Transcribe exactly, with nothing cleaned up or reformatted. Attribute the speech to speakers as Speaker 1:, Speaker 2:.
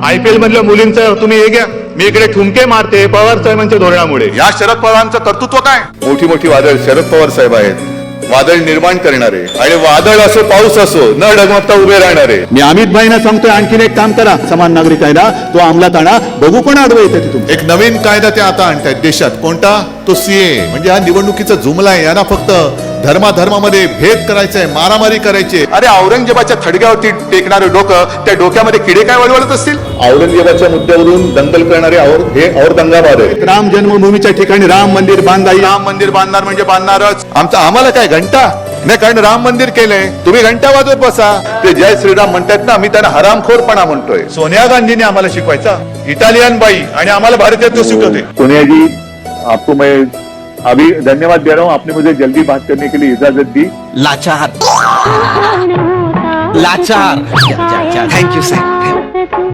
Speaker 1: IPL मधल्या मुलींचं तुम्ही हे घ्या, मी इकडे ठुमके मारते पवार साहेबांच्या धोरणामुळे.
Speaker 2: या शरद पवारांचं कर्तृत्व काय? मोठी मोठी वादळ शरद पवार साहेब आहेत, वादळ निर्माण करणारे, आणि वादळ असो पाऊस असो न डगमगता उभे राहणारे.
Speaker 3: मी अमित भाईना सांगतोय, आणखीन एक काम करा, समान नागरिक कायदा तो अंमलात आणा, बघू पण आडवं येते तिथून.
Speaker 2: एक नवीन कायदा ते आता आणतायत देशात. कोणता? तो सीए. म्हणजे हा निवडणुकीचा जुमला आहे. यांना फक्त धर्माधर्मामध्ये भेद करायचंय, मारामारी करायची. अरे औरंगजेबाच्या थडग्यावरती टेकणारे डोकं, त्या डोक्यामध्ये किडे काय वळवळत असतील? औरंगजेबाच्या मुद्द्यावरून दंगल करणारे और हे और दंगाबाद आहे.
Speaker 3: राम जन्मभूमीच्या ठिकाणी राम मंदिर बांधा येईल.
Speaker 2: राम मंदिर बांधणार म्हणजे बांधणारच. आमचं आम्हाला काय घंटा नाही, कारण राम मंदिर केलंय, तुम्ही घंटा वाजवत बसा. ते जय श्रीराम म्हणतात ना, मी त्यांना हरामखोरपणा म्हणतोय. सोनिया गांधीने आम्हाला शिकवायचा, इटालियन बाई, आणि आम्हाला भारतीयत्व शिकवते.
Speaker 4: सोनिया जी, आपको मैं अभी धन्यवाद दे रहा हूँ, आपने मुझे जल्दी बात करने के लिए इजाजत दी.
Speaker 5: लाचार लाचार थैंक यू सर.